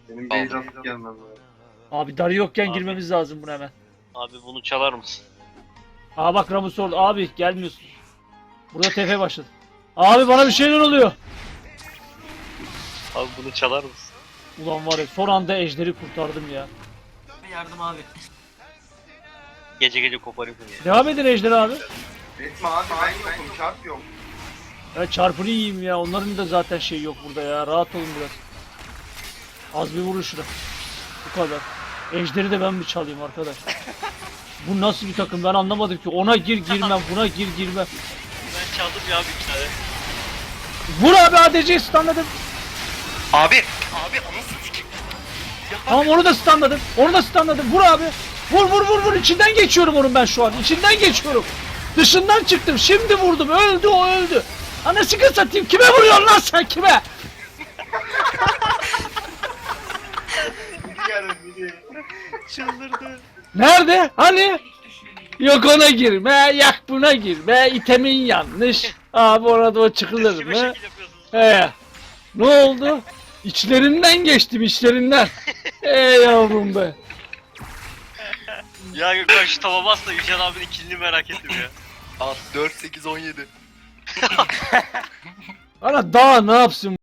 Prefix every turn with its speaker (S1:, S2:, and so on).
S1: Benim base atıp gelmem lazım.
S2: Abi darı yokken
S3: Abi.
S2: girmemiz lazım buna hemen.
S3: Abi bunu çalar mısın?
S2: Aa bak Ramus orada. Abi gelmiyorsun. Burada TF başladı. Abi bana bir şeyler oluyor.
S3: Abi bunu çalar mısın?
S2: Ulan var ya son anda ejderi kurtardım ya.
S4: Yardım abi.
S3: Gece gece koparayım bunu ya.
S2: Devam edin ejder abi.
S1: Etme abi ben yokum çarp yok.
S2: Ya çarpını yiyeyim ya. Onların da zaten şey yok burada ya. Rahat olun biraz. Az bir vurun şuna. Bu kadar. Ejderi de ben mi çalayım arkadaş? Bu nasıl bir takım ben anlamadım ki. Ona gir girmem, buna gir girmem.
S3: Ben çaldım ya bir tane.
S2: Vur abi ADC'yi stunladım.
S5: Abi onu sikeyim.
S2: Tamam onu da stunladım. Onu da stunladım. Vur abi. Vur vur vur vur. İçinden geçiyorum onun ben şu an. İçinden geçiyorum. Dışından çıktım. Şimdi vurdum. Öldü o öldü. Anasını satayım. Kime vuruyorsun lan sen kime?
S3: Çıldırdı.
S2: Nerede? Hani? Yok ona girme. Yak buna girme. İtemin yanlış. Abi orada o çıkılır
S3: Kime
S2: mı?
S3: şekil yapıyorsunuz?
S2: He. Ne oldu? İçlerinden geçtim içlerinden. Yavrum be.
S3: Ya Gökhan şu tava bas da Yücel abinin kilini merak ettim ya.
S5: At 4 8 17.
S2: Ana daha ne yapsın?